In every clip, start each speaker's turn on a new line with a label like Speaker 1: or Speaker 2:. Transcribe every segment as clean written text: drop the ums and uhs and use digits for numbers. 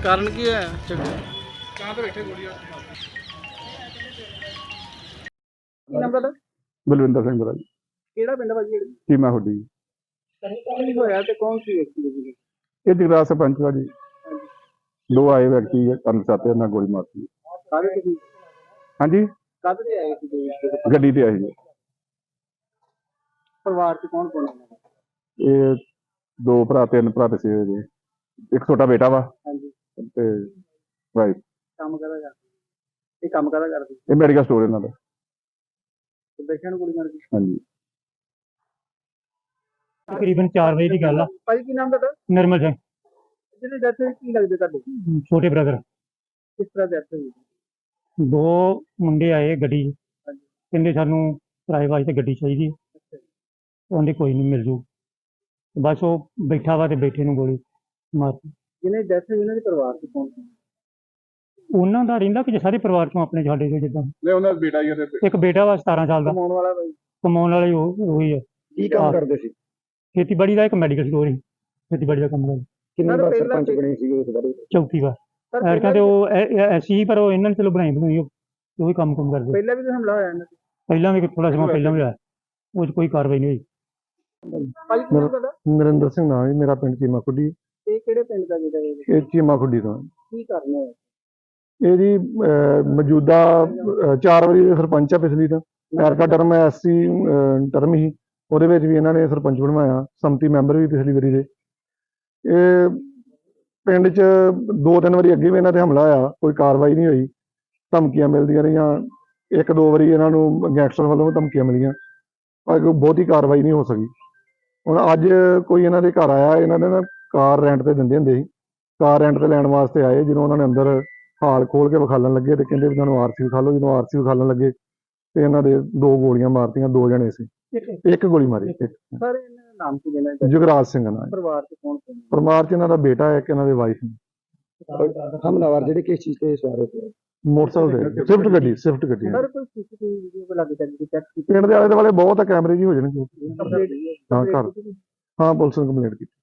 Speaker 1: ਕਾਰਨ ਕੀ ਹੈ ਝਗੜੇ?
Speaker 2: ਕੀ ਨਾਮ ਤੁਹਾਡਾ?
Speaker 3: ਬਲਵਿੰਦਰ ਸਿੰਘ ਬਰਾਜ
Speaker 2: ਕਿਹੜਾ ਪਿੰਡ ਭਾਜੀ?
Speaker 3: ਚੀਮਾ ਹੁੱਡੀ।
Speaker 2: ਕੀ ਹੋਇਆ ਤੇ ਕੌਣ ਸੀ ਵਿਅਕਤੀ ਜੀ?
Speaker 3: ਇਹ ਜਗਰਾਜ ਸਰਪੰਚ ਵਾ ਜੀ। ਦੋ ਆਏ ਵਿਅਕਤੀ ਕਰਨ ਸਾਤੇ ਨਾਲ ਗੋਲੀ ਮਾਰਤੀ।
Speaker 2: ਕਾਹਦੇ ਤੇ ਸੀ?
Speaker 3: ਹਾਂਜੀ,
Speaker 2: ਕਾਹਦੇ ਤੇ ਆਏ ਸੀ ਜੀ?
Speaker 3: ਗੱਡੀ ਤੇ ਆਏ ਜੀ।
Speaker 2: ਪਰਿਵਾਰ ਚ ਕੌਣ ਕੌਣ ਹੈ?
Speaker 3: ਇਹ ਦੋ ਭਰਾ ਤਿੰਨ ਭਰਾ ਤੇ ਸੀ ਜੀ। ਇੱਕ ਛੋਟਾ ਬੇਟਾ ਵਾ
Speaker 2: ਹਾਂਜੀ।
Speaker 3: ਤੇ ਵਾਈਫ।
Speaker 2: ਕੰਮ ਕਰਦਾ ਕਰਦੇ? ਇਹ ਕੰਮ ਕਰਦਾ ਕਰਦੇ?
Speaker 3: ਇਹ ਮੈਡੀਕਲ ਸਟੋਰ ਇਹਨਾਂ ਦਾ।
Speaker 2: ਤੇ ਬੈਠਿਆਂ ਨੂੰ ਗੋਲੀ ਮਾਰ ਗਈ?
Speaker 3: ਹਾਂਜੀ।
Speaker 4: ਤਕਰੀਬਨ 4 ਵਜੇ ਦੀ ਗੱਲ ਆ।
Speaker 2: ਭਾਈ ਕੀ ਨਾਮ ਤੁਹਾਡਾ?
Speaker 4: ਨਿਰਮਲ ਸਿੰਘ,
Speaker 2: ਜਿਹਨੇ ਡੈਥ ਹੋਈ ਕੀ ਲੱਗਦੇ ਤੁਹਾਡੇ?
Speaker 4: ਛੋਟੇ ਬ੍ਰਦਰ।
Speaker 2: ਕਿਸ ਤਰ੍ਹਾਂ ਡੈਥ ਹੋਈ?
Speaker 4: ਦੋ ਮੁੰਡੇ ਆਏ ਗੱਡੀ 'ਚ,
Speaker 2: ਹਾਂਜੀ।
Speaker 4: ਕਹਿੰਦੇ ਸਾਨੂੰ ਕਿਰਾਏ ਵਾਸਤੇ ਗੱਡੀ ਚਾਹੀਦੀ। ਉਹਨੇ ਕੋਈ ਨਹੀਂ ਮਿਲ ਜੂ। ਬਸ ਉਹ ਬੈਠਾ ਵਾ ਤੇ ਬੈਠੇ ਨੂੰ ਗੋਲੀ ਮਾਰਤੀ।
Speaker 2: ਜਿਹਨੇ ਡੈਥ ਹੋਈ ਉਹਨਾਂ ਦੇ ਪਰਿਵਾਰ ਚ ਕੌਣ ਸੀ?
Speaker 4: ਉਹਨਾਂ ਦਾ ਰਹਿੰਦਾ ਕਿ ਸਾਰੇ ਪਰਿਵਾਰ ਚੋਂ ਆਪਣੇ ਸਾਡੇ ਦੇ ਜਿੱਦਾਂ
Speaker 3: ਨਹੀਂ, ਉਹਨਾਂ ਦਾ ਬੇਟਾ ਹੀ ਉਹਦੇ
Speaker 4: ਇੱਕ ਬੇਟਾ ਵਾ 17 ਸਾਲ ਦਾ,
Speaker 2: ਕਮਾਉਣ ਵਾਲਾ ਭਾਈ?
Speaker 4: ਕਮਾਉਣ ਵਾਲੇ ਉਹੀ ਹੈ।
Speaker 2: ਕੀ ਕੰਮ ਕਰਦੇ ਸੀ?
Speaker 4: ਖੇਤੀਬਾੜੀ ਦਾ, ਇੱਕ ਮੈਡੀਕਲ ਸਟੋਰ ਹੀ ਖੇਤੀਬਾੜੀ ਦਾ ਕੰਮ ਕਰਦਾ।
Speaker 2: ਕਿੰਨੇ ਵਾਰ ਸਰਪੰਚ ਬਣੇ ਸੀ ਉਸ ਬਾਰੇ?
Speaker 4: ਚੌਥੀ ਵਾਰ। ਐਰਕਾਂ ਤੇ ਉਹ ਐਸੀ ਪਰ ਉਹ ਇਹਨਾਂ ਨੇ ਚਲੋ ਬਣਾਈ ਬਣਾਈ ਉਹੀ ਕੰਮ ਕਰਦੇ।
Speaker 2: ਪਹਿਲਾਂ ਵੀ ਕੋਈ ਹਮਲਾ ਹੋਇਆ ਇਹਨਾਂ ਤੇ?
Speaker 4: ਪਹਿਲਾਂ ਵੀ ਥੋੜਾ ਸਮਾਂ ਪਹਿਲਾਂ ਵੀ ਹੋਇਆ, ਉਹ 'ਚ ਕੋਈ ਕਾਰਵਾਈ ਨਹੀਂ ਹੋਈ।
Speaker 2: ਭਾਈ ਕੀ ਨਾਮ ਤੁਹਾਡਾ?
Speaker 3: ਨਰਿੰਦਰ ਸਿੰਘ ਨਾਮ ਹੈ ਮੇਰਾ, ਪਿੰਡ ਚੀਮਾ ਖੁੱਡੀ।
Speaker 2: ਇਹ ਕਿਹੜੇ ਪਿੰਡ ਦਾ ਜਿਹੜਾ ਇਹ?
Speaker 3: ਇਹ ਚੀਮਾ ਖੁੱਡੀ ਤੋਂ।
Speaker 2: ਕੀ ਕਰਨਾ ਹੈ?
Speaker 3: ਇਹ ਜੀ ਮੌਜੂਦਾ 4 ਵਾਰੀ ਦੇ ਸਰਪੰਚ ਆ। ਪਿਛਲੀ ਤਾਂ ਐਰਕਾ ਟਰਮ ਐਸਸੀ ਟਰਮ ਹੀ, ਉਹਦੇ ਵਿੱਚ ਵੀ ਇਹਨਾਂ ਨੇ ਸਰਪੰਚ ਬਣਵਾਇਆ। ਸੰਮਤੀ ਮੈਂਬਰ ਵੀ ਪਿਛਲੀ ਵਾਰੀ ਦੇ। ਇਹ ਪਿੰਡ 'ਚ 2-3 ਵਾਰੀ ਅੱਗੇ ਵੀ ਇਹਨਾਂ ਤੇ ਹਮਲਾ ਹੋਇਆ, ਕੋਈ ਕਾਰਵਾਈ ਨਹੀਂ ਹੋਈ। ਧਮਕੀਆਂ ਮਿਲਦੀਆਂ ਰਹੀਆਂ। 1-2 ਵਾਰੀ ਇਹਨਾਂ ਨੂੰ ਗੈਂਗਸਟਰ ਵੱਲੋਂ ਧਮਕੀਆਂ ਮਿਲੀਆਂ, ਪਰ ਕੋਈ ਬਹੁਤੀ ਕਾਰਵਾਈ ਨਹੀਂ ਹੋ ਸਕੀ। ਹੁਣ ਅੱਜ ਕੋਈ ਇਹਨਾਂ ਦੇ ਘਰ ਆਇਆ। ਇਹਨਾਂ ਨੇ ਨਾ ਕਾਰ ਰੈਂਟ ਤੇ ਦਿੰਦੇ ਹੁੰਦੇ ਸੀ, ਕਾਰ ਰੈਂਟ ਤੇ ਲੈਣ ਵਾਸਤੇ ਆਏ। ਜਦੋਂ ਉਹਨਾਂ ਨੇ ਅੰਦਰ ਹਾਲ ਖੋਲ ਕੇ ਵਿਖਾਲਣ ਲੱਗੇ ਤੇ ਕਹਿੰਦੇ ਵੀ ਤੁਹਾਨੂੰ ਆਰਸੀ ਵਿਖਾ ਲਓ। ਜਦੋਂ ਆਰਸੀ ਵਿਖਾਲਣ ਲੱਗੇ ਤੇ ਇਹਨਾਂ ਦੇ 2 ਗੋਲੀਆਂ ਮਾਰਤੀਆਂ। 2 ਜਣੇ ਸੀ, ਇੱਕ ਗੋਲੀ ਮਾਰੀ।
Speaker 2: ਸਰ ਇਹਨਾਂ ਦਾ ਨਾਮ ਕੀ ਦੇਣਾ ਹੈ?
Speaker 3: ਜੁਗਰਾਜ ਸਿੰਘ ਨਾਲ।
Speaker 2: ਪਰਿਵਾਰ ਚ ਕੌਣ ਕੌਣ?
Speaker 3: ਪਰਿਵਾਰ 'ਚ ਇਹਨਾਂ ਦਾ ਬੇਟਾ ਹੈ, ਇੱਕ ਇਹਨਾਂ ਦੇ ਵਾਈਫ ਨੇ।
Speaker 2: ਹਮਲਾਵਰ ਜਿਹੜੇ ਕਿਸ ਚੀਜ਼ ਤੇ ਸਵਾਰ ਹੋਏ?
Speaker 3: ਮੋਟਰਸਾਈਕਲ ਤੇ ਸਵਿਫਟ ਗੱਡੀ
Speaker 2: ਸਰ ਕੋਈ ਸੀਸੀਟੀਵੀ ਵੀਡੀਓ ਕੋ ਲੱਗ ਜਾਂਦੀ ਚੈੱਕ ਕੀਤੀ?
Speaker 3: ਪਿੰਡ ਦੇ ਆਲੇ ਦੁਆਲੇ ਬਹੁਤ ਆ ਕੈਮਰੇ ਜੀ ਹੋ ਜਾਣਗੇ। ਹਾਂ ਘਰ, ਹਾਂ ਪੁਲਿਸ ਨੂੰ ਕੰਪਲੇਂਟ ਕੀਤੀ।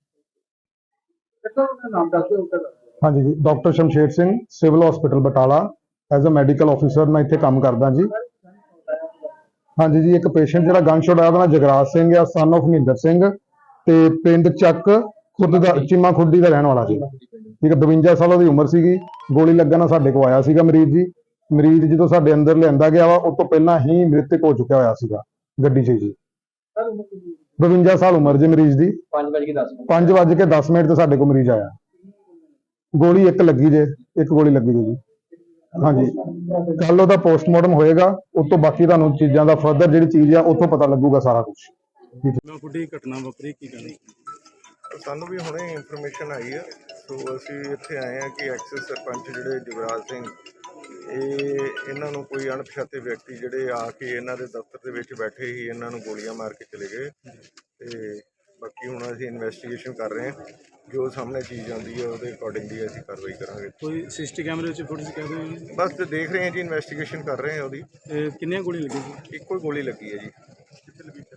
Speaker 2: ਨਾਮ ਦੱਸ ਦਿਓ।
Speaker 5: ਹਾਂਜੀ ਜੀ, doctor Shamsher Singh, civil hospital Batala, as uh medical officer ਮੈਂ ਇੱਥੇ ਕੰਮ ਕਰਦਾ ਜੀ। ਹਾਂਜੀ ਜੀ, ਇੱਕ ਪੇਸ਼ੈਂਟ ਜਿਹੜਾ ਗਨ ਸ਼ਾਟ ਆਇਆ ਉਹਦਾ ਨਾਮ ਜਗਰਾਜ ਸਿੰਘ ਆ, ਸਨ ਆਫ ਮਹਿੰਦਰ ਸਿੰਘ, ਤੇ ਪਿੰਡ ਚੱਕ ਖੁਰਦ ਦਾ, ਚੀਮਾ ਖੁੱਡੀ ਦਾ ਰਹਿਣ ਵਾਲਾ ਸੀ। ਠੀਕ ਹੈ, 52 ਸਾਲ ਉਹਦੀ ਉਮਰ ਸੀਗੀ। ਗੋਲੀ ਲੱਗਣ ਨਾਲ ਸਾਡੇ ਕੋਲ ਆਇਆ ਸੀਗਾ ਮਰੀਜ਼ ਜੀ। ਮਰੀਜ਼ ਜਦੋਂ ਸਾਡੇ ਅੰਦਰ ਲਿਆਂਦਾ ਗਿਆ ਵਾ, ਉਸ ਤੋਂ ਪਹਿਲਾਂ ਹੀ ਮ੍ਰਿਤਕ ਹੋ ਚੁੱਕਿਆ ਹੋਇਆ ਸੀਗਾ ਗੱਡੀ 'ਚ ਜੀ। 52 ਸਾਲ ਉਮਰ ਜੀ ਮਰੀਜ਼ ਦੀ। 5:10 ਤੇ ਸਾਡੇ ਕੋਲ ਮਰੀਜ਼ ਆਇਆ। ਗੋਲੀ ਇੱਕ ਲੱਗੀ ਜੇ, ਇੱਕ ਗੋਲੀ ਲੱਗੀ ਜੀ। ਹਾਂਜੀ, ਕੱਲ ਉਹਦਾ ਪੋਸਟਮਾਰਟਮ ਹੋਏਗਾ। ਉਸ ਤੋਂ ਬਾਕੀ ਤੁਹਾਨੂੰ ਚੀਜ਼ਾਂ ਦਾ ਫਰਦਰ ਜਿਹੜੀ ਚੀਜ਼ ਆ ਉੱਥੋਂ ਪਤਾ ਲੱਗੂਗਾ ਸਾਰਾ ਕੁਝ।
Speaker 1: ਕੁੜੀ ਘਟਨਾ ਵਾਪਰੀ, ਕੀ ਕਹਿਣਾ?
Speaker 6: ਸਾਨੂੰ ਵੀ ਹੁਣੇ ਇਨਫੋਰਮੇਸ਼ਨ ਆਈ ਹੈ, ਸੋ ਅਸੀਂ ਇੱਥੇ ਆਏ ਹਾਂ ਕਿ ਐਕਸਿਸ ਸਰਪੰਚ ਜਿਹੜੇ ਜੁਗਰਾਜ ਸਿੰਘ, ਇਹਨਾਂ ਨੂੰ ਕੋਈ ਅਣਪਛਾਤੇ ਵਿਅਕਤੀ ਜਿਹੜੇ ਆ ਕੇ ਇਹਨਾਂ ਦੇ ਦਫ਼ਤਰ ਦੇ ਵਿੱਚ ਬੈਠੇ ਹੀ ਇਹਨਾਂ ਨੂੰ ਗੋਲੀਆਂ ਮਾਰ ਕੇ ਚਲੇ ਗਏ। ਤੇ ਬਾਕੀ ਹੁਣ ਅਸੀਂ ਇਨਵੈਸਟੀਗੇਸ਼ਨ ਕਰ ਰਹੇ ਹਾਂ। ਜੋ ਸਾਹਮਣੇ ਚੀਜ਼ ਆਉਂਦੀ ਹੈ ਉਹਦੇ ਅਕੋਰਡਿੰਗਲੀ ਅਸੀਂ ਕਾਰਵਾਈ ਕਰਾਂਗੇ।
Speaker 1: ਕੋਈ ਸਿਸਟੀ ਕੈਮਰੇ ਵਿੱਚ ਫੁਟੇਜ ਕਹਿ ਦਿਓ?
Speaker 6: ਬਸ ਤੇ ਦੇਖ ਰਹੇ ਹਾਂ ਜੀ, ਇਨਵੈਸਟੀਗੇਸ਼ਨ ਕਰ ਰਹੇ ਹਾਂ ਉਹਦੀ।
Speaker 1: ਕਿੰਨੀਆਂ ਗੋਲੀਆਂ ਲੱਗੀਆਂ ਸੀ?
Speaker 6: ਇੱਕੋ ਹੀ ਗੋਲੀ ਲੱਗੀ ਹੈ ਜੀ।